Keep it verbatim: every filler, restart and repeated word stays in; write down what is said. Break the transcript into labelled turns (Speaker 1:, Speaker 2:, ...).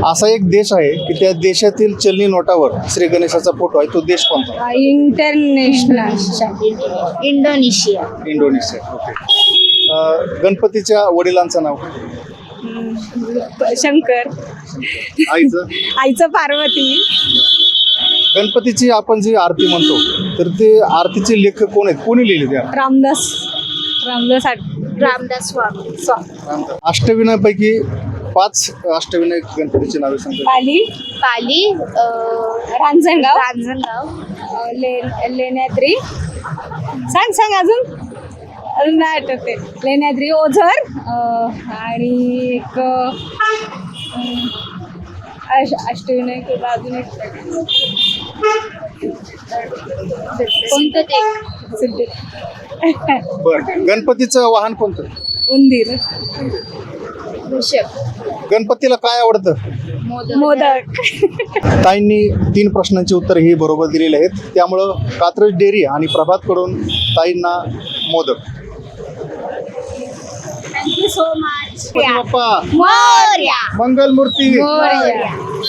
Speaker 1: असा एक देश आहे की त्या देशातील चलनी नोटावर श्री गणेशाचा फोटो आहे. तो देश कोणता?
Speaker 2: International Indonesia.
Speaker 1: इंडोनेशिया. ओके. अ, गणपतीच्या वडिलांचं नाव?
Speaker 2: शंकर.
Speaker 1: आईचं?
Speaker 2: आईचं पार्वती.
Speaker 1: गणपतीची आपण जी आरती म्हणतो तर ते आरतीचे लेखक कोण आहेत? कोणी लिहिले त्या?
Speaker 2: रामदास रामदास आठ
Speaker 3: रामदास स्वामी.
Speaker 2: स्वा-
Speaker 1: अष्टविनायपैकी पाच अष्टविनायक गणपतीची नावे सांगतात.
Speaker 2: पाली,
Speaker 3: पाली, अं,
Speaker 2: रांजणगाव,
Speaker 3: रांजणगाव,
Speaker 2: अं, ले लेण्याद्री. सांग सांग अजून अजून नाही आठवते. लेण्याद्री, ओझर, अं, आणि एक अं, अश- अष्टविनायक अजून एक
Speaker 3: कोणतं ते?
Speaker 2: सिद्धी.
Speaker 1: बरं, गणपतीचं वाहन कोणतं?
Speaker 2: उंदीर.
Speaker 3: वृषभ.
Speaker 1: गणपतीला काय आवडतं?
Speaker 3: मोदक.
Speaker 2: मोदक.
Speaker 1: ताईंनी तीन प्रश्नांची उत्तर ही बरोबर दिलेली आहेत. त्यामुळं कात्रज डेअरी आणि प्रभातकडून ताईंना मोदक.
Speaker 3: Thank you so much.
Speaker 1: Bappa
Speaker 3: Morya.
Speaker 1: Mangalmurti.
Speaker 3: Morya.